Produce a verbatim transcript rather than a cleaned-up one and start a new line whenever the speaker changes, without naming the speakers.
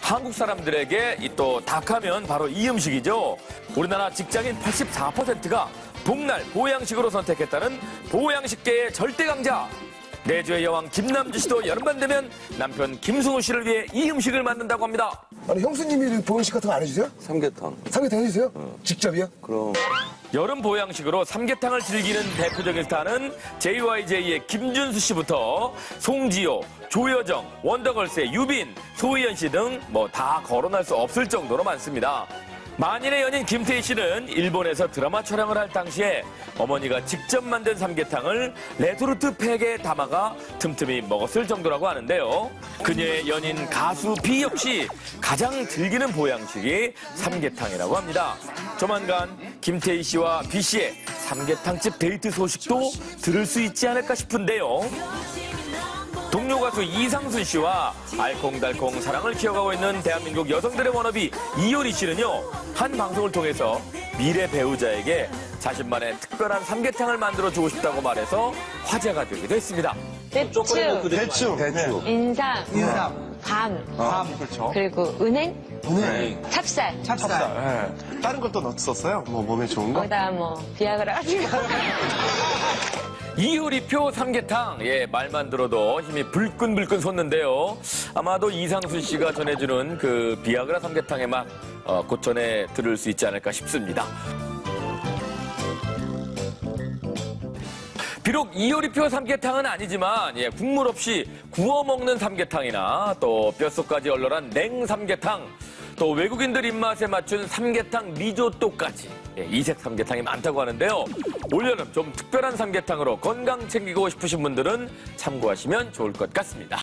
한국 사람들에게 이 또 닭하면 바로 이 음식이죠. 우리나라 직장인 팔십사 퍼센트가 복날 보양식으로 선택했다는 보양식계의 절대 강자. 내조의 여왕 김남주 씨도 여름만 되면 남편 김승우 씨를 위해 이 음식을 만든다고 합니다.
아니 형수님이 보양식 같은 거 안 해주세요?
삼계탕.
삼계탕 해주세요?
응.
직접이요?
그럼.
여름 보양식으로 삼계탕을 즐기는 대표적인 스타는 제이와이제이의 김준수 씨부터 송지효, 조여정, 원더걸스의 유빈, 소희연 씨 등 뭐 다 거론할 수 없을 정도로 많습니다. 만인의 연인 김태희 씨는 일본에서 드라마 촬영을 할 당시에 어머니가 직접 만든 삼계탕을 레토르트 팩에 담아가 틈틈이 먹었을 정도라고 하는데요. 그녀의 연인 가수 비 역시 가장 즐기는 보양식이 삼계탕이라고 합니다. 조만간 김태희 씨와 비 씨의 삼계탕집 데이트 소식도 들을 수 있지 않을까 싶은데요. 동료 가수 이상순 씨와 알콩달콩 사랑을 키워가고 있는 대한민국 여성들의 워너비 이효리 씨는요, 한 방송을 통해서 미래 배우자에게 자신만의 특별한 삼계탕을 만들어주고 싶다고 말해서 화제가 되기도 했습니다.
대추,
대충. 대충.
인삼,
인삼,
밤,
밤, 그렇죠.
그리고 은행,
은행,
찹쌀.
찹쌀.
네. 다른 것도 넣었었어요? 뭐 몸에 좋은 거?
거기다 뭐 비아그라 가지고.
이효리표 삼계탕, 예, 말만 들어도 힘이 불끈불끈 솟는데요. 아마도 이상순 씨가 전해주는 그 비아그라 삼계탕의 맛, 어, 곧 전해 들을 수 있지 않을까 싶습니다. 비록 이효리표 삼계탕은 아니지만, 예, 국물 없이 구워 먹는 삼계탕이나 또 뼛속까지 얼얼한 냉삼계탕, 또 외국인들 입맛에 맞춘 삼계탕 리조또까지, 예, 이색 삼계탕이 많다고 하는데요. 올여름 좀 특별한 삼계탕으로 건강 챙기고 싶으신 분들은 참고하시면 좋을 것 같습니다.